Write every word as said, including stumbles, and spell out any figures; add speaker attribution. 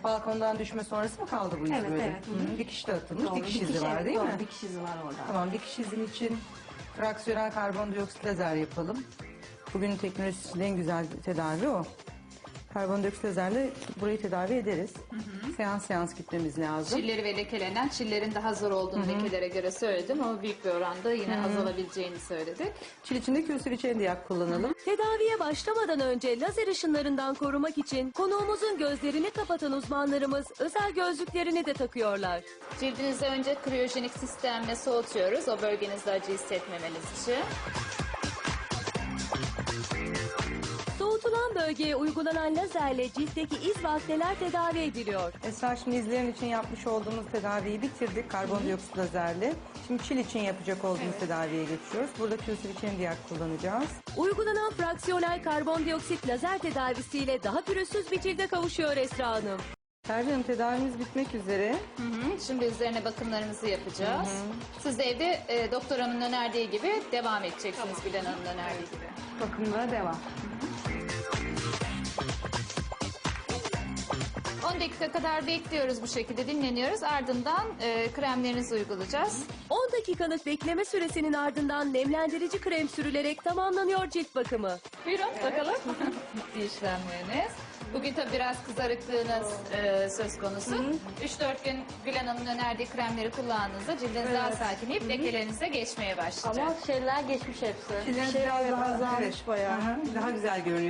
Speaker 1: balkondan düşme sonrası mı kaldı bu iz
Speaker 2: Evet,
Speaker 1: böyle?
Speaker 2: evet.
Speaker 1: Hı -hı. Dikiş de atılmış.
Speaker 2: Doğru,
Speaker 1: dikiş
Speaker 2: dikiş,
Speaker 1: izi var
Speaker 2: evet,
Speaker 1: değil
Speaker 2: doğru,
Speaker 1: mi?
Speaker 2: dikiş izi var orada.
Speaker 1: Tamam, dikiş izin için fraksiyonel karbondioksit lazer yapalım. Bugünün teknolojisinin en güzel tedavi o. Karbondioksit lazerle burayı tedavi ederiz. Hı hı. Seans seans gitmemiz lazım.
Speaker 3: Çilleri ve lekelenen, çillerin daha zor olduğunu Hı -hı. lekelere göre söyledim ama büyük bir oranda yine Hı -hı. azalabileceğini söyledik.
Speaker 1: Çil içinde külsüviçen diyak kullanalım.
Speaker 4: Tedaviye başlamadan önce lazer ışınlarından korumak için konuğumuzun gözlerini kapatan uzmanlarımız özel gözlüklerini de takıyorlar.
Speaker 3: Cildinizi önce kriyojenik sistemle soğutuyoruz o bölgenizde acı hissetmemeniz için.
Speaker 4: Soğutulan bölgeye uygulanan lazerle ciltteki iz ve akneler tedavi ediliyor.
Speaker 1: Esra, şimdi izleyen için yapmış olduğumuz tedaviyi bitirdik karbondioksit lazerle. Şimdi çil için yapacak olduğumuz evet. tedaviye geçiyoruz. Burada külsüviçen diyak kullanacağız.
Speaker 4: Uygulanan fraksiyonel karbondioksit lazer tedavisiyle daha pürüzsüz bir cilde kavuşuyor Esra Hanım.
Speaker 1: Pervin Hanım, tedavimiz bitmek üzere.
Speaker 3: Hı hı. Şimdi üzerine bakımlarımızı yapacağız. Hı hı. Siz de evde e, doktor hanımın önerdiği gibi devam edeceksiniz tamam. Gülen Hanım'ın önerdiği gibi.
Speaker 2: Bakımlara devam.
Speaker 3: on dakika kadar bekliyoruz, bu şekilde dinleniyoruz. Ardından e, kremlerinizi uygulayacağız.
Speaker 4: on dakikalık bekleme süresinin ardından nemlendirici krem sürülerek tamamlanıyor cilt bakımı.
Speaker 3: Buyurun evet. bakalım. Bitti işlemleriniz. Bugün tabii biraz kızarıklığınız e, söz konusu. üç dört gün Gülen Hanım'ın önerdiği kremleri kullandığınızda cildiniz evet. daha sakinleyip Hı -hı. lekelerinize geçmeye başlayacak.
Speaker 2: Ama şeyler geçmiş hepsi.
Speaker 1: Şeyler
Speaker 2: şey
Speaker 1: biraz daha
Speaker 2: azalmış
Speaker 1: evet.
Speaker 2: bayağı.
Speaker 1: Hı -hı. Daha güzel görünüyor.